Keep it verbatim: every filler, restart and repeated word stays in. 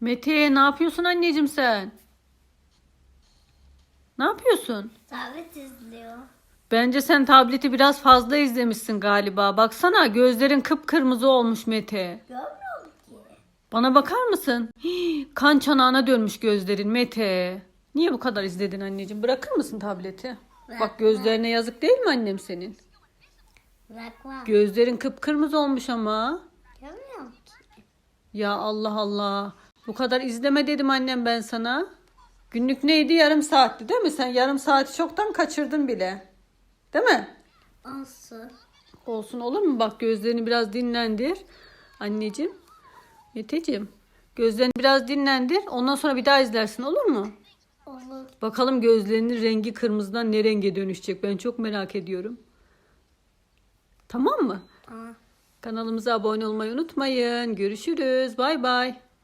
Mete, ne yapıyorsun anneciğim sen? Ne yapıyorsun? Tablet izliyor. Bence sen tableti biraz fazla izlemişsin galiba. Baksana, gözlerin kıpkırmızı olmuş Mete. Görmüyor ki. Bana bakar mısın? Hii, kan çanağına dönmüş gözlerin Mete. Niye bu kadar izledin anneciğim? Bırakır mısın tableti? Bak, gözlerine yazık değil mi annem senin? Bırakmam. Gözlerin kıpkırmızı olmuş ama. Görmüyor ki. Ya Allah Allah. Bu kadar izleme dedim annem ben sana. Günlük neydi? Yarım saatti değil mi? Sen yarım saati çoktan kaçırdın bile. Değil mi? Olsun. Olsun, olur mu? Bak, gözlerini biraz dinlendir. Anneciğim. Meteciğim. Gözlerini biraz dinlendir. Ondan sonra bir daha izlersin, olur mu? Olur. Bakalım gözlerinin rengi kırmızıdan ne renge dönüşecek? Ben çok merak ediyorum. Tamam mı? Tamam. Kanalımıza abone olmayı unutmayın. Görüşürüz. Bay bay.